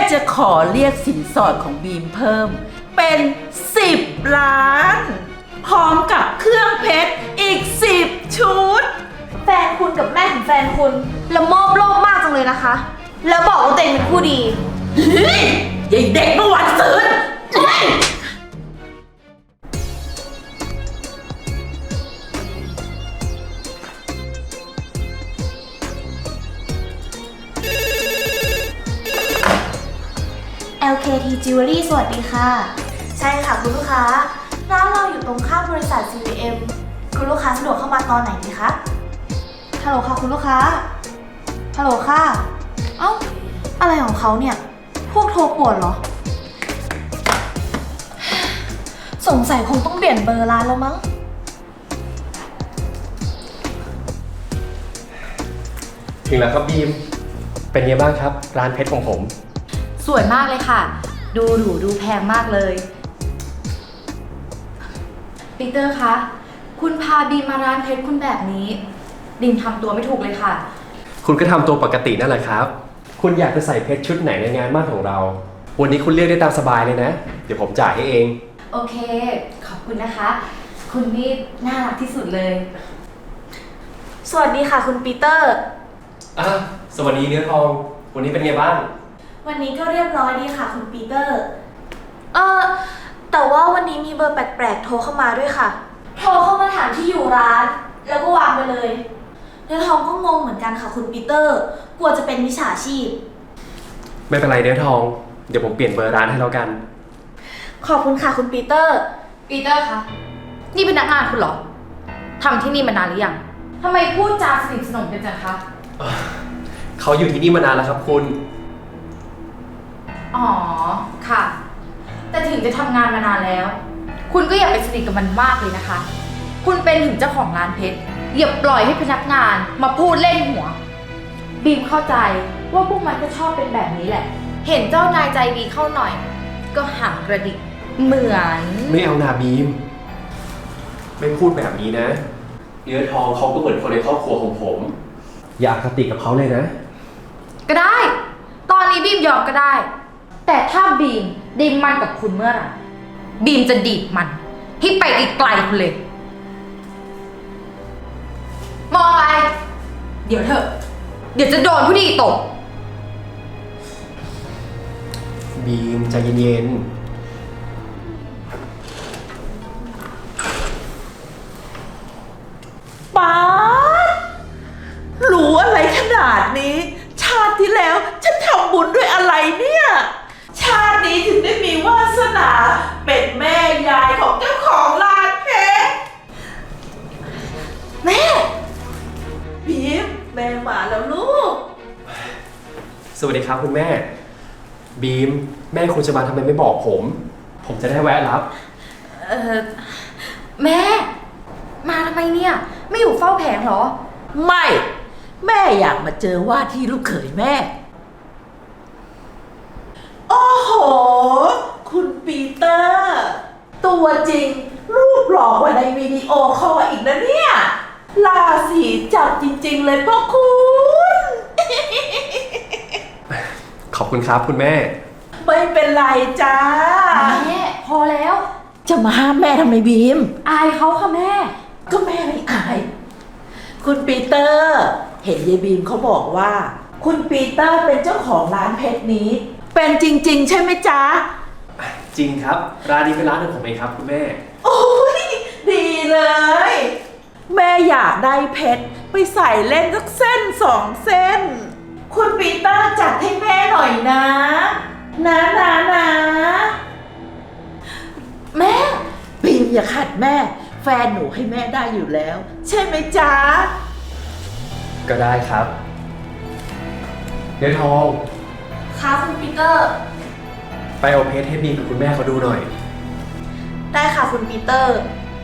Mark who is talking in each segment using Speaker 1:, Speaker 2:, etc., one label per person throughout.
Speaker 1: จะขอเรียกสินสอดของบีมเพิ่มเป็น10 ล้านพร้อมกับเครื่องเพชรอีก10 ชุด
Speaker 2: แฟนคุณกับแม่ของแฟนคุณละโมบโลภมากจังเลยนะคะ แล้วบอกว่าตัวเองเป็นผู้ดี
Speaker 1: เฮ้ยยายเด็กเมื่อวันซืน
Speaker 2: LKT Jewelry สวัสดีค่ะ ใช่ค่ะคุณลูกค้าร้านเราอยู่ตรงข้ามบริษัท CVM คุณลูกค้าสะดวกเข้ามาตอนไหนดีคะฮัลโหลค่ะคุณลูกค้าฮัลโหลค่ะเอ้าอะไรของเขาเนี่ยพวกโทรป่วนเหรอสงสัยคงต้องเปลี่ยนเบอร์ร้านแล้วมั้ง
Speaker 3: ถึงแล้วครับบีมเป็นไงบ้างครับร้านเพชรของผม
Speaker 4: สวยมากเลยค่ะดูหรูดูแพงมากเลยปีเตอร์คะคุณพาบีมมาร้านเพชรคุณแบบนี้ดิมทำตัวไม่ถูกเลยค่ะ
Speaker 3: คุณก็ทำตัวปกตินั่นแหละครับคุณอยากจะใส่เพชรชุดไหนในงานมั่นของเราวันนี้คุณเลือกได้ตามสบายเลยนะเดี๋ยวผมจ่ายให้เอง
Speaker 4: โอเคขอบคุณนะคะคุณนี่น่ารักที่สุดเลย
Speaker 2: สวัสดีค่ะคุณปีเตอร์
Speaker 3: สวัสดีเนื้อทองวันนี้เป็นไงบ้าง
Speaker 2: วันนี้ก็เรียบร้อยดีค่ะคุณปีเตอร์แต่ว่าวันนี้มีเบอร์แปลกๆโทรเข้ามาด้วยค่ะโทรเข้ามาถามที่อยู่ร้านแล้วก็วางไปเลยเนื้อทองก็งงเหมือนกันค่ะคุณปีเตอร์กลัวจะเป็นมิจฉาชีพ
Speaker 3: ไม่เป็นไรเนื้อทองเดี๋ยวผมเปลี่ยนเบอร์ร้านให้แล้วกัน
Speaker 2: ขอบคุณค่ะคุณปีเตอร์
Speaker 4: คะนี่เป็นพนักงานคุณเหรอทำที่นี่มานานหรือยังทำไมพูดจาสนิทสนมกันจังคะ
Speaker 3: เขาอยู่ที่นี่มานานแล้วครับคุณ
Speaker 4: อ๋อค่ะแต่ถึงจะทำงานมานานแล้วคุณก็อย่าไปสนิทกับมันมากเลยนะคะคุณเป็นถึงเจ้าของร้านเพชรอย่าปล่อยให้พนักงานมาพูดเล่นหัวบีมเข้าใจว่าพวกมันก็ชอบเป็นแบบนี้แหละเห็นเจ้านายใจดีเข้าหน่อยก็หางกระดิกเหมือน
Speaker 3: ไม่เอานาบีมไม่พูดแบบนี้นะเนื้อทองเขาก็เหมือนคนในครอบครัวของผมอย่าอคติกับเขาเลยนะ
Speaker 4: ก็ได้ตอนนี้บีมยอมก็ได้แต่ถ้าบีมได้มันกับคุณเมื่อไหร่บีมจะดีดมันให้ไปไกลๆคุณเลยมองอะไรเดี๋ยวเถอะเดี๋ยวจะโดนผู้ดีตก
Speaker 3: บีมใจเย็น
Speaker 1: ๆป๊าดรู้อะไรขนาดนี้ชาติที่แล้วฉันทำบุญด้วยอะไรเนี่ยชาตินี้ถึงได้มีวาสนาเป็นแม่ยายของเจ้าของร้านเพชร
Speaker 2: แม่
Speaker 1: บีมแม่มาแล้วลูก
Speaker 3: สวัสดีครับคุณแม่บีมแม่คุณจะมาทำไมไม่บอกผมจะได้แวะรับ
Speaker 4: แม่มาทำไมเนี่ยไม่อยู่เฝ้าแผงเหรอ
Speaker 1: ไม่แม่อยากมาเจอว่าที่ลูกเขยแม่โอ้โหคุณปีเตอร์ตัวจริงรูปหล่อกว่าในวิดีโอคอลอีกนะเนี่ยราศีจับจริงๆเลยพ่อคุณ
Speaker 3: ขอบคุณครับคุณแม่
Speaker 1: ไม่เป็นไรจ้า
Speaker 4: แม่พอแล้ว
Speaker 1: จะมาห้ามแม่ทำไมบีม
Speaker 4: อายเขาค่ะแม่
Speaker 1: ก็แม่ไม่อายคุณปีเตอร์เห็นยายบีมเขาบอกว่าคุณปีเตอร์เป็นเจ้าของร้านเพชรนี้เป็นจริงๆใช่ไหมจ๊ะ
Speaker 3: จริงครับร้านนี้เป็นร้านของผมเองครับคุณแม่
Speaker 1: โอ้ยดีเลยแม่อยากได้เพชรไปใส่เล่นสักเส้น2 เส้นคุณปีเตอร์จัดให้แม่หน่อยนะแม่บีมอย่าขัดแม่แฟนหนูให้แม่ได้อยู่แล้วใช่ไหมจ๊ะ
Speaker 3: ก็ได้ครับเนื้อทอง
Speaker 2: ค่ะคุณปีเตอร์
Speaker 3: ไปเอาเพชรให้บีมกับคุณแม่เขาดูหน่อย
Speaker 2: ได้ค่ะคุณปีเตอร์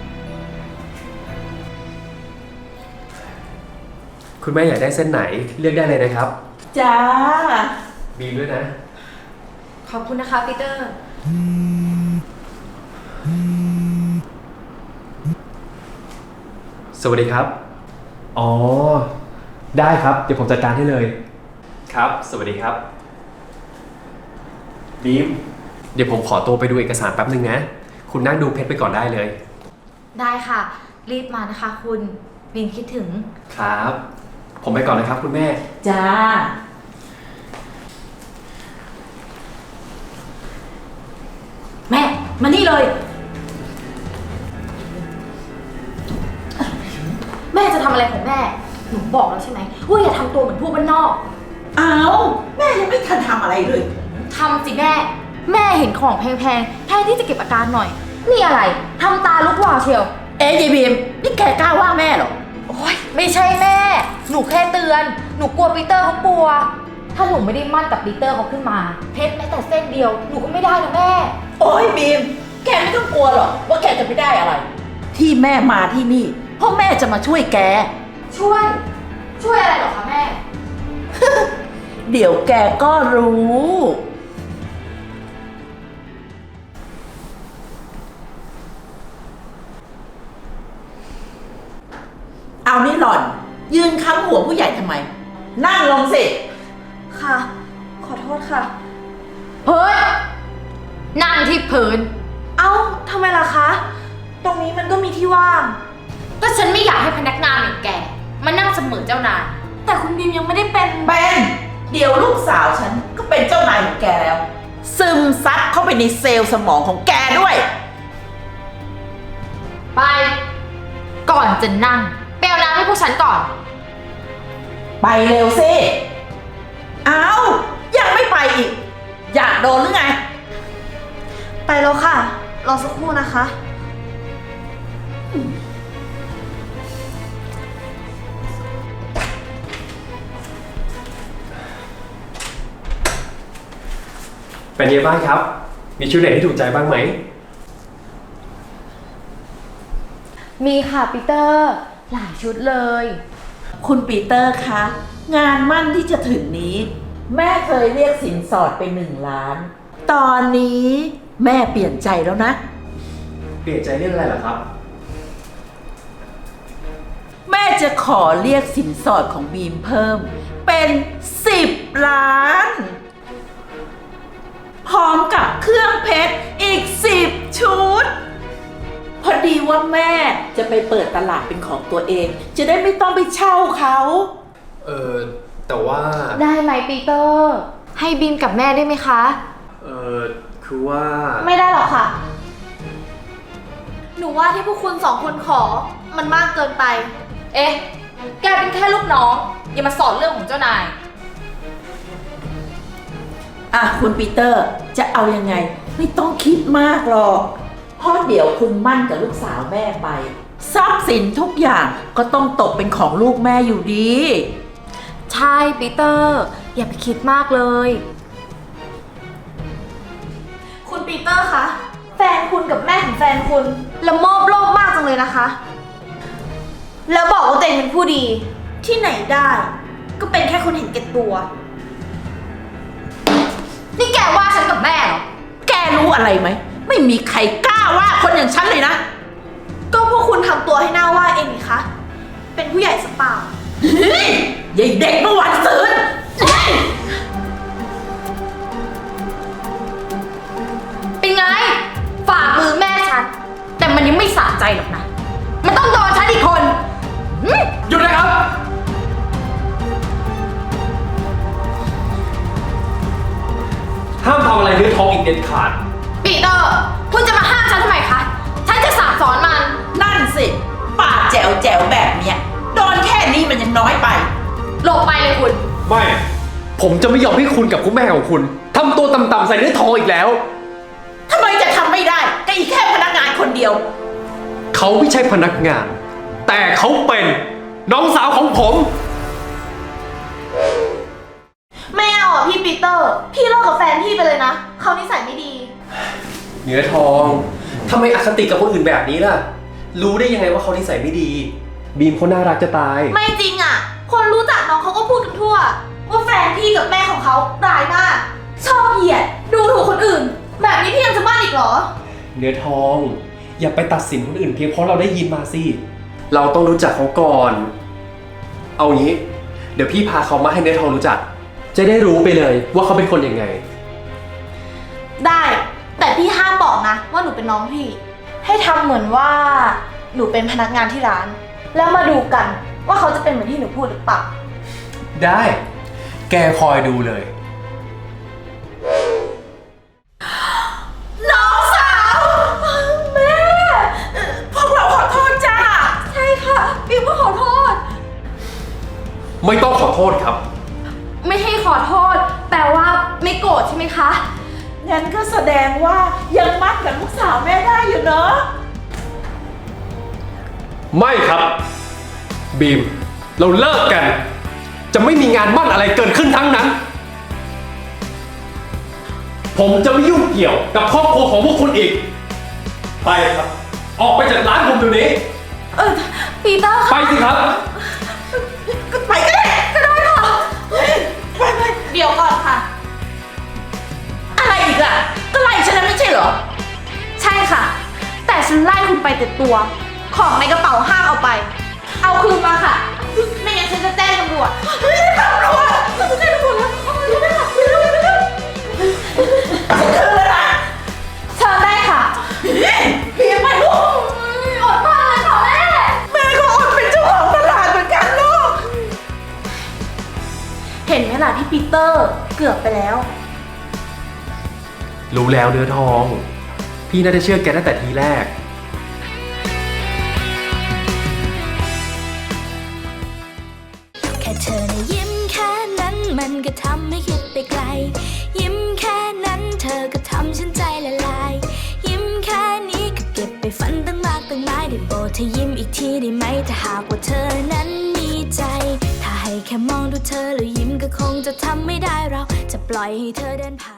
Speaker 3: คุณแม่อยากได้เส้นไหนเลือกได้เลยนะครับ
Speaker 1: จ้า
Speaker 3: บีมด้วยนะ
Speaker 4: ขอบคุณนะคะปีเตอร์
Speaker 3: สวัสดีครับอ๋อได้ครับเดี๋ยวผมจัดการให้เลยครับสวัสดีครับบีม เดี๋ยวผมขอตัวไปดูเอกสารแป๊บนึงนะ คุณนั่งดูเพชรไปก่อนได้เลย
Speaker 4: ได้ค่ะ รีบมานะคะคุณบีมคิดถึง
Speaker 3: ครับ ผมไปก่อนนะครับคุณแม่
Speaker 1: จ้า
Speaker 4: แม่ มานี่เลย แม่จะทำอะไรของแม่ หนูบอกแล้วใช่ไหมว่าอย่าทำตัวเหมือนพวกบ้านนอก
Speaker 1: เอาแม่ยังไม่ทันทำอะไรเลย
Speaker 4: ทำสิแม่ แม่เห็นของแพงๆแทนที่จะเก็บอาการหน่อย นี่อะไรทำตาลุกวาวเชียว
Speaker 1: เอ๊ะยายบีมนี่แกกล้าว่าแม่เหรอ
Speaker 4: โอ๊ยไม่ใช่แม่ หนูแค่เตือน หนูกลัวปีเตอร์เขากลัว ถ้าหนูไม่ได้มั่นกับปีเตอร์เขาขึ้นมา เพชรแม้แต่เส้นเดียว หนูก็ไม่ได้นะแม่
Speaker 1: โอ้ยบีม แกไม่ต้องกลัวหรอกว่าแกจะไม่ได้อะไร ที่แม่มาที่นี่เพราะแม่จะมาช่วยแก
Speaker 4: ช่วย ช่วยอะไรหรอคะแม่
Speaker 1: เดี๋ยวแกก็รู้ เอานี่หล่อน ยืนค้ำหัวผู้ใหญ่ทำไม นั่งลงสิ
Speaker 2: ค่ะ ขอโทษค่ะ
Speaker 4: เฮ้ย นั่งที่พื้น
Speaker 2: เอ้าทำไมล่ะคะ ตรงนี้มันก็มีที่ว่าง
Speaker 4: ก็ฉันไม่อยากให้พนักงานอย่างแกมานั่งเสมอเจ้านาย
Speaker 2: แต่คุณบีมยังไม่ได้เป็น
Speaker 1: เป็นเดี๋ยวลูกสาวฉันก็เป็นเจ้านายของแกแล้ว ซึมซับเข้าไปในเซลล์สมองของแกด้วย
Speaker 4: ไป ก่อนจะนั่งไปเอาน้ำให้พวกฉันก่อน
Speaker 1: ไปเร็วสิ เอายังไม่ไปอีก อยากโดนหรือไง
Speaker 2: ไปแล้วค่ะ รอสักครู่นะคะ
Speaker 3: เป็นยังไงบ้างครับ มีชุดไหนที่ถูกใจบ้างไหม
Speaker 4: มีค่ะปีเตอร์ หลายชุดเลย
Speaker 1: คุณปีเตอร์คะ งานมั่นที่จะถึงนี้ แม่เคยเรียกสินสอดไป1 ล้าน ตอนนี้แม่เปลี่ยนใจแล้วนะ
Speaker 3: เปลี่ยนใจเรื่องอะไรเหรอครับ
Speaker 1: แม่จะขอเรียกสินสอดของบีมเพิ่ม เป็น10 ล้าน พร้อมกับเครื่องเพชรอีก10 ชุด พอดีว่าแม่จะไปเปิดตลาดเป็นของตัวเอง จะได้ไม่ต้องไปเช่าเขา
Speaker 3: แต่ว่า
Speaker 4: ได้ไหมปีเตอร์ ให้บีมกับแม่ได้ไหมคะ
Speaker 3: คือว่า
Speaker 2: ไม่ได้หรอกค่ะ หนูว่าที่พวกคุณ2 คนขอ มันมากเกินไป
Speaker 4: เอ๊ะ แกเป็นแค่ลูกน้อง อย่ามาสอนเรื่องของเจ้านาย
Speaker 1: อ่ะคุณปีเตอร์จะเอายังไง ไม่ต้องคิดมากหรอกเพราะเดี๋ยวคุณมั่นกับลูกสาวแม่ไปทรัพย์สินทุกอย่างก็ต้องตกเป็นของลูกแม่อยู่ดี
Speaker 4: ใช่ปีเตอร์ อย่าไปคิดมากเลย
Speaker 2: คุณปีเตอร์คะ แฟนคุณกับแม่ของแฟนคุณละโมบโลภมากจังเลยนะคะ แล้วบอกว่าตัวเองเป็นผู้ดี ที่ไหนได้ ก็เป็นแค่คนเห็นแก่ตัว
Speaker 4: นี่แกว่าฉันกับแม่เหรอ
Speaker 1: แกรู้อะไรไหม ไม่มีใครกล้าว่าคนอย่างฉันเลยนะ
Speaker 2: ก็พวกคุณทำตัวให้หน้าว่าเองนี่คะ เป็นผู้ใหญ่สเปล่า
Speaker 1: เฮ้ยยายเด็กเมื่อวันซืนเฮ้ย
Speaker 4: เป็นไง ฝ่ามือแม่ฉัน แต่มันยังไม่สะใจหรอกนะ มันต้องโดนฉันอีกคนหืม
Speaker 3: หยุดนะครับ ห้ามทำอะไรเนื้อทองอีกเด็ดขาด
Speaker 4: ปีเตอร์ คุณจะมาห้ามฉันทำไมคะ ฉันจะสั่งสอนมัน
Speaker 1: นั่นสิปากแจ๋วแจ๋วแบบเนี้ยโดนแค่นี้มันยังน้อยไป
Speaker 4: หลบไปเลยคุณ
Speaker 3: ไม่ ผมจะไม่ยอมให้คุณกับคุณแม่ของคุณทำตัวต่ำๆใส่เนื้อทองอีกแล้ว
Speaker 1: ทำไมจะทำไม่ได้ก็อีกแค่พนักงานคนเดียว
Speaker 3: เขาไม่ใช่พนักงาน แต่เขาเป็นน้องสาวของผม
Speaker 2: ไม่เอาอ่ะพี่ปีเตอร์ พี่เลิกกับแฟนพี่ไปเลยนะ เขานิสัยไม่ดี
Speaker 3: เนื้อทองทำไมอคติกับคนอื่นแบบนี้ล่ะ รู้ได้ยังไงว่าเขานิสัยไม่ดี บีมเขาน่ารักจะตาย
Speaker 2: ไม่จริงอ่ะ คนรู้จักน้องเขาก็พูดกันทั่ว ว่าแฟนพี่กับแม่ของเขาร้ายมาก ชอบเหยียด ดูถูกคนอื่น แบบนี้พี่ยังจะมั่นอีกเหรอ
Speaker 3: เนื้อทอง อย่าไปตัดสินคนอื่นเพียงเพราะเราได้ยินมาสิ เราต้องรู้จักเขาก่อน เอางี้ เดี๋ยวพี่พาเขามาให้เนื้อทองรู้จัก จะได้รู้ไปเลยว่าเขาเป็นคนยังไง
Speaker 2: ได้ แต่พี่ห้ามบอกนะว่าหนูเป็นน้องพี่ ให้ทำเหมือนว่าหนูเป็นพนักงานที่ร้าน แล้วมาดูกันว่าเขาจะเป็นเหมือนที่หนูพูดหรือเปล่า
Speaker 3: ได้ แกคอยดูเลย
Speaker 1: น้องสาว แม่ พวกเราขอโทษจ้า
Speaker 4: ใช่ค่ะบิวก็ขอโทษ
Speaker 3: ไม่ต้องขอโทษครับ
Speaker 4: ไม่ให้ขอโทษ แปลว่าไม่โกรธใช่ไหมคะ
Speaker 1: งั้นก็แสดงว่ายังมั่นกับลูกสาวแม่ได้อยู่เนอะ
Speaker 3: ไม่ครับ บีม เราเลิกกัน จะไม่มีงานมั่นอะไรเกิดขึ้นทั้งนั้น ผมจะไม่ยุ่งเกี่ยวกับครอบครัวของพวกคุณอีก ไปครับ ออกไปจากร้านผมเดี๋ยวนี้
Speaker 4: ปีเตอร์
Speaker 3: ไปสิครับ
Speaker 1: ไปก็ได้ก็ได้ค่ะไป
Speaker 2: เดี๋ยวก่อนค่ะ
Speaker 1: อะไรอีกอ่ะ ก็ไล่ฉันแล้วไม่ใช่เหรอ
Speaker 2: ใช่ค่ะ แต่ฉันไล่คุณไปแต่ตัว ของในกระเป๋าห้ามเอาไป เอาคืนมาค่ะ ไม่งั้นฉันจะแจ้งตำรวจ
Speaker 1: ตำรวจเราจะแจ้งตำรวจแล้วเอาเร็วๆเร็วๆเร็วๆฉันคืนแล้วนะ
Speaker 2: เชิญได้ค่ะ
Speaker 1: เพียงไปลูก
Speaker 2: อดมากเลยค่ะแม่
Speaker 1: แม่ก็อดเป็นเจ้าของตลาดเหมือนกันลูก
Speaker 2: เห็นไหมล่ะพี่ปีเตอร์เกือบไปแล้ว
Speaker 3: รู้แล้วเนื้อทอง พี่น่าจะเชื่อแกตั้งแต่ทีแรก
Speaker 5: แค่เธอนะยิ้มแค่นั้นมันก็ทำให้คิดไปไกล ยิ้มแค่นั้นเธอก็ทำฉันใจละลาย ยิ้มแค่นี้ก็เก็บไปฝันตั้งมากตั้งหลายได้โปรดเธอยิ้มอีกทีได้ไหมถ้าหากว่าเธอนั้นมีใจ ถ้าให้แค่มองดูเธอแล้วยิ้มก็คงจะทำไม่ได้เราจะปล่อยให้เธอเดินผ่าน